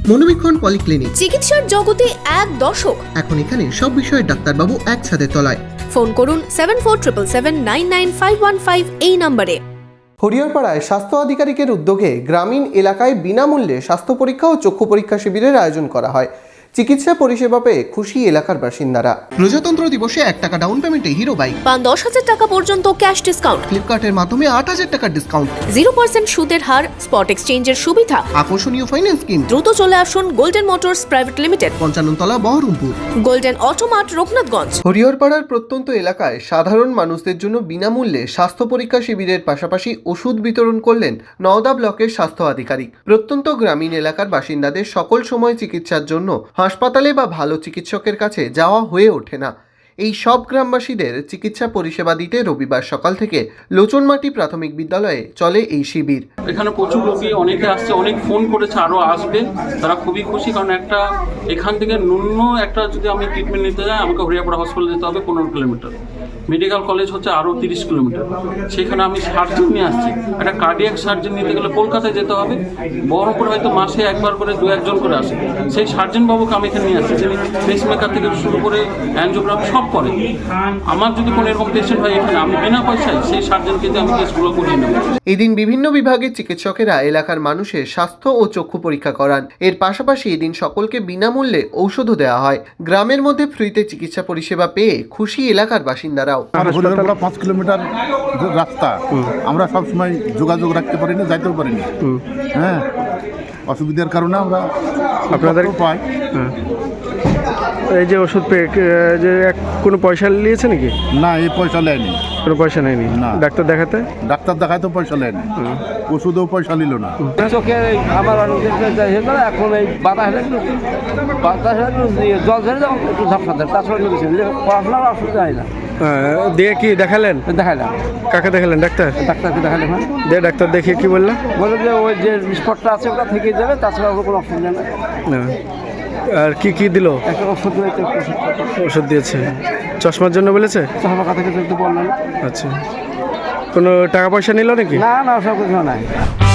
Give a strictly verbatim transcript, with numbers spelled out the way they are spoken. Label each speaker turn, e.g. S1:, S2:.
S1: মনোবীক্ষণ polyclinic,
S2: চিকিৎসার জগতে এক দশক।
S1: এখন এখানে সব বিষয়ে ডাক্তারবাবু একসাথে তলায়।
S2: ফোন করুন seven four triple seven nine nine five one five এই নম্বরে।
S3: হরিহরপাড়ায় স্বাস্থ্য আধিকারিকের উদ্যোগে গ্রামীণ এলাকায় বিনামূল্যে স্বাস্থ্য পরীক্ষা ও চক্ষু পরীক্ষা শিবিরের আয়োজন করা হয়। চিকিৎসা পরিষেবা পেয়ে খুশি এলাকার বাসিন্দারা।
S1: প্রজাতন্ত্র দিবসে এক টাকা ডাউন পেমেন্টে হিরো বাইক,
S2: পান দশ হাজার টাকা পর্যন্ত ক্যাশ ডিসকাউন্ট,
S1: ফ্লিপকার্টের মাধ্যমে আট হাজার টাকার ডিসকাউন্ট,
S2: জিরো পার্সেন্ট সুদের হার, স্পট এক্সচেঞ্জের সুবিধা।
S1: আকর্ষণীয় ফাইন্যান্স স্কিম।
S2: দ্রুত চলে আসুন গোল্ডেন মোটরস প্রাইভেট লিমিটেড,
S1: পঞ্চান্ন তলা, বহরমপুর।
S2: Golden Automart, Raghunathganj.
S3: হরিহরপাড়ার প্রত্যন্ত এলাকায় সাধারণ মানুষদের জন্য বিনামূল্যে স্বাস্থ্য পরীক্ষা শিবিরের পাশাপাশি ওষুধ বিতরণ করলেন নওদা ব্লকের স্বাস্থ্য আধিকারিক। প্রত্যন্ত গ্রামীণ এলাকার বাসিন্দাদের সকল সময় চিকিৎসার জন্য হাসপাতালে বা ভালো চিকিৎসকের কাছে যাওয়া হয়ে ওঠে না। এই সব গ্রামবাসীদের চিকিৎসা পরিষেবা দিতে রবিবার সকাল থেকে লোচনমাটি প্রাথমিক বিদ্যালয়ে চলে এই শিবির।
S4: এখানে প্রচুর রোগী অনেকে আসছে, অনেক ফোন করেছে, আরও আসবে। তারা খুবই খুশি, কারণ একটা এখান থেকে ন্যূন একটা যদি আমি ট্রিটমেন্ট নিতে যাই আমাকে হরিয়াপাড়া হসপিটালে যেতে হবে পনেরো কিলোমিটার, মেডিকেল কলেজ হচ্ছে আরও তিরিশ কিলোমিটার। সেখানে আমি সার্জন নিয়ে আসছি, একটা কার্ডিয়াক সার্জন নিতে গেলে কলকাতায় যেতে হবে। বহরমপুরে হয়তো মাসে একবার করে দু একজন করে আসে, সেই সার্জন বাবুকে আমি এখানে নিয়ে আসছি, যিনি পেসমেকার থেকে শুরু করে অ্যানজিওগ্রাফি সব করে। আমার যদি কোনো এরকম পেশেন্ট হয় এখানে, আমি বিনা পয়সায় সেই সার্জনকে দিয়ে আমি কেসগুলো করিয়ে নেব।
S3: এদিন বিভিন্ন বিভাগের চিকিৎসকেরা এলাকার মানুষের স্বাস্থ্য ও চক্ষু পরীক্ষা করান। এর পাশাপাশি এদিন সকলকে বিনামূল্যে ঔষধও দেওয়া হয়। গ্রামের মধ্যে ফ্রিতে চিকিৎসা পরিষেবা পেয়ে খুশি এলাকার বাসিন্দারাও।
S5: পাঁচ কিলোমিটার রাস্তা, আমরা সবসময় যোগাযোগ রাখতে পারি না, যাইতেও পারি না। হ্যাঁ, অসুবিধার কারণে আমরা আপনাদের পাই।
S6: এই যে ওষুধ পেয়ে যে কোনো পয়সা নিয়েছে নাকি?
S5: না, এই পয়সা নেয়নি,
S6: কোনো পয়সা নেয়নি।
S5: না।
S6: ডাক্তার দেখাতে
S5: ডাক্তার দেখাতেও পয়সা নেয়নি, ওষুধেও পয়সা নিল না।
S7: চোখে আমার এখন এই বাতাস বাতাস জল ঝরে যখন একটু ঝাপসা দেয়, তাছাড়া পড়াশোনার অসুবিধা হয় না।
S6: দিয়ে কি দেখালেন?
S7: দেখালাম।
S6: কাকে দেখালেন? ডাক্তার?
S7: ডাক্তারকে দেখালাম। হ্যাঁ,
S6: দিয়ে ডাক্তার দেখিয়ে কি বললেন?
S7: বলে যে ওই যে স্পটটা আছে ওটা থেকে যাবে, তাছাড়া ওর কোনো অসুবিধা নেই।
S6: আর কি কি দিল?
S7: একটা ওষুধ দিয়েছে।
S6: ওষুধ দিয়েছে। চশমার জন্য বলেছে?
S7: চশমা কথা থেকে একটু বললেন।
S6: আচ্ছা, কোনো টাকা পয়সা নিল নাকি?
S7: না না, সব কিছু নাই।